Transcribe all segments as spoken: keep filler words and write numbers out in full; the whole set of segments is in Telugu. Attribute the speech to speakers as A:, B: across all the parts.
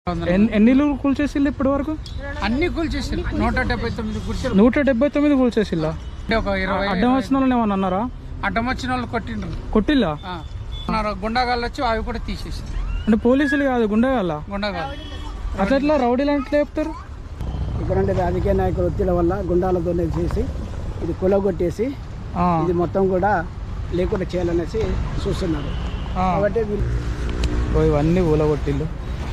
A: ఎన్ని ఇల్లు కూల్చేసిల్లు ఇప్పటి వరకు?
B: అన్ని కూల్చేసిల్లు. నూట డెబ్బై తొమ్మిది కూల్చారు.
A: నూట డెబ్బై తొమ్మిది కూల్చేసిల్లా?
B: ఒక ఇరవై
A: అడ్డం వచ్చిన వాళ్ళు ఏమన్నా అన్నారా?
B: అడ్డం వచ్చిన వాళ్ళు కొట్టిండ్రు.
A: కొట్టిల్లా?
B: గుండాగాళ్ళు వచ్చి అవి కూడా తీసేసి.
A: అంటే పోలీసులు కాదు, గుండాగాళ్ళ?
B: గుండాగాళ్ళు.
A: అట్లా ఎట్లా రౌడీలు అంటే చెప్తారు?
C: ఇక్కడ రాజకీయ నాయకుల ఒత్తిడి వల్ల గుండాలతో చేసి ఇది కులగొట్టేసి ఇది మొత్తం కూడా లేకుండా చేయాలనేసి చూస్తున్నారు. కాబట్టి
A: ఇవన్నీ ఊలగొట్టిల్లు.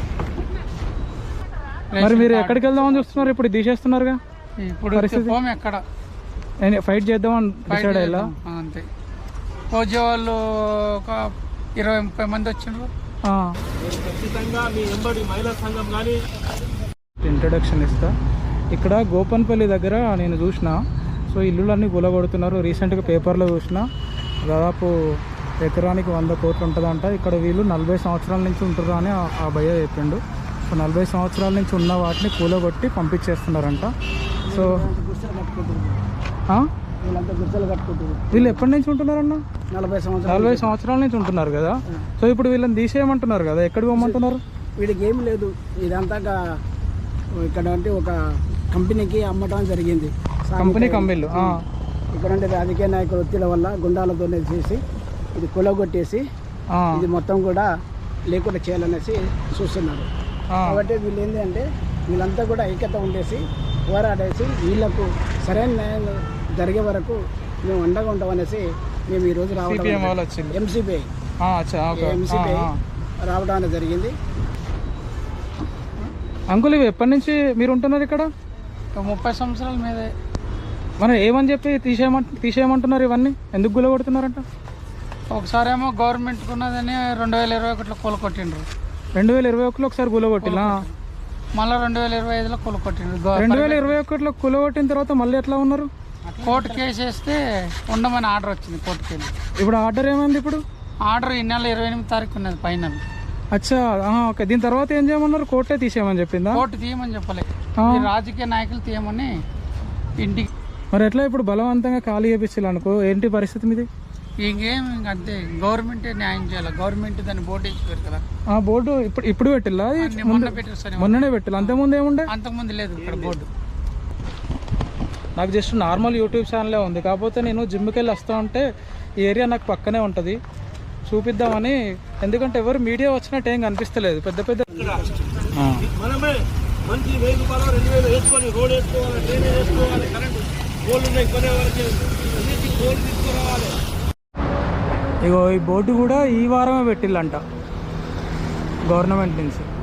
A: మరి మీరు ఎక్కడికి వెళ్దామని చూస్తున్నారు? ఇప్పుడు తీసేస్తున్నారుగా.
B: ఇప్పుడు ఎక్కడ
A: ఫైట్ చేద్దామని డిసైడ్ అయ్యా?
B: అంతే. పోజే వాళ్ళు ఒక ఇరవై ముప్పై మంది వచ్చిండ్రు.
A: ఇంట్రడక్షన్ ఇస్తా. ఇక్కడ గోపన్పల్లి దగ్గర నేను చూసిన. సో ఇల్లులన్నీ కూలగొడుతున్నారు. రీసెంట్గా పేపర్లో చూసిన. దాదాపు ఎకరానికి వంద కోట్లు ఉంటుందంట. ఇక్కడ వీళ్ళు నలభై సంవత్సరాల నుంచి ఉంటారు అని ఆ భయ్య చెప్పిండు. సో నలభై సంవత్సరాల నుంచి ఉన్న వాటిని కూలగొట్టి పంపించేస్తున్నారంట. సో వీళ్ళు ఎప్పటి నుంచి ఉంటున్నారన్న?
C: నలభై సంవత్సరాలు
A: నలభై సంవత్సరాల నుంచి ఉంటున్నారు కదా. సో ఇప్పుడు వీళ్ళని తీసేయమంటున్నారు కదా, ఎక్కడికి పోమంటున్నారు?
C: వీడికి ఏమి లేదు, ఇదంతా ఇక్కడ అంటే ఒక కంపెనీకి అమ్మటం జరిగింది.
A: కంపెనీ కంపెనీలు
C: ఇక్కడ అంటే రాజకీయ నాయకుల ఒత్తిడి వల్ల గుండాలతో చేసి ఇది కులగొట్టేసి ఇది మొత్తం కూడా లేకుండా చేయాలనేసి చూస్తున్నారు. కాబట్టి వీళ్ళు ఏంటి అంటే వీళ్ళంతా కూడా ఐక్యత ఉండేసి పోరాడేసి వీళ్ళకు సరైన న్యాయం జరిగే వరకు మేము అండగా ఉంటామనేసి మేము ఈరోజు రావడం ఎంసీపీఐ ఎంసీపీఐ రావడం అనేది జరిగింది.
A: అంకుల్ ఇవి ఎప్పటి నుంచి మీరు ఉంటున్నారు ఇక్కడ?
B: ముప్పై సంవత్సరాల మీదే.
A: మనం ఏమని చెప్పి తీసేయమంట తీసేయమంటున్నారు ఇవన్నీ? ఎందుకు గుల కొడుతున్నారంట?
B: ఒకసారి ఏమో గవర్నమెంట్ ఉన్నదని రెండు వేల ఇరవై ఒకటిలో కూల కొట్టిండ్రు.
A: రెండు వేల ఇరవై ఒకటిలో ఒకసారి గుల కొట్టిలా,
B: మళ్ళీ రెండు వేల ఇరవై ఐదులో కూల కొట్టిండ్రు.
A: రెండు వేల ఇరవై ఒకటిలో కుల కొట్టిన తర్వాత మళ్ళీ ఎట్లా ఉన్నారు?
B: కోర్టు కేసు వేస్తే ఉండమని ఆర్డర్ వచ్చింది కోర్టుకి వెళ్ళి.
A: ఇప్పుడు ఆర్డర్ ఏమైంది? ఇప్పుడు
B: ఆర్డర్ ఈ నెల ఇరవై ఎనిమిది తారీఖు ఉన్నది పైన.
A: అచ్చా, ఓకే. దీని తర్వాత ఏం చేయమన్నారు? కోర్టే తీసేయమని చెప్పిందా?
B: కోర్టు తీయమని చెప్పలేదు, రాజకీయ నాయకులు తీయమని ఇంటికి.
A: మరి ఎట్లా ఇప్పుడు బలవంతంగా ఖాళీ చేపించాలి అనుకో, ఏంటి పరిస్థితి మీది?
B: ఇంకేం అంతే, గవర్నమెంటే న్యాయం చేయాలి. గవర్నమెంట్ దాన్ని బోర్డు వేసిపోయారు కదా.
A: ఆ బోర్డు ఇప్పుడు ఇప్పుడు పెట్టిల్లా?
B: మొన్న పెట్టారు,
A: మొన్ననే పెట్టిల్లా. అంతకుముందు ఏముండే?
B: అంతకుముందు లేదు ఇక్కడ బోర్డు.
A: నాకు జస్ట్ నార్మల్ యూట్యూబ్ ఛానలే ఉంది, కాకపోతే నేను జిమ్కి వెళ్ళి వస్తా ఉంటే ఈ ఏరియా నాకు పక్కనే ఉంటుంది, చూపిద్దామని. ఎందుకంటే ఎవరు మీడియా వచ్చినట్టు ఏం కనిపిస్తలేదు. పెద్ద పెద్ద ఇగో ఈ బోర్డు కూడా ఈ వారమే పెట్టిల్లంట గవర్నమెంట్ నుంచి.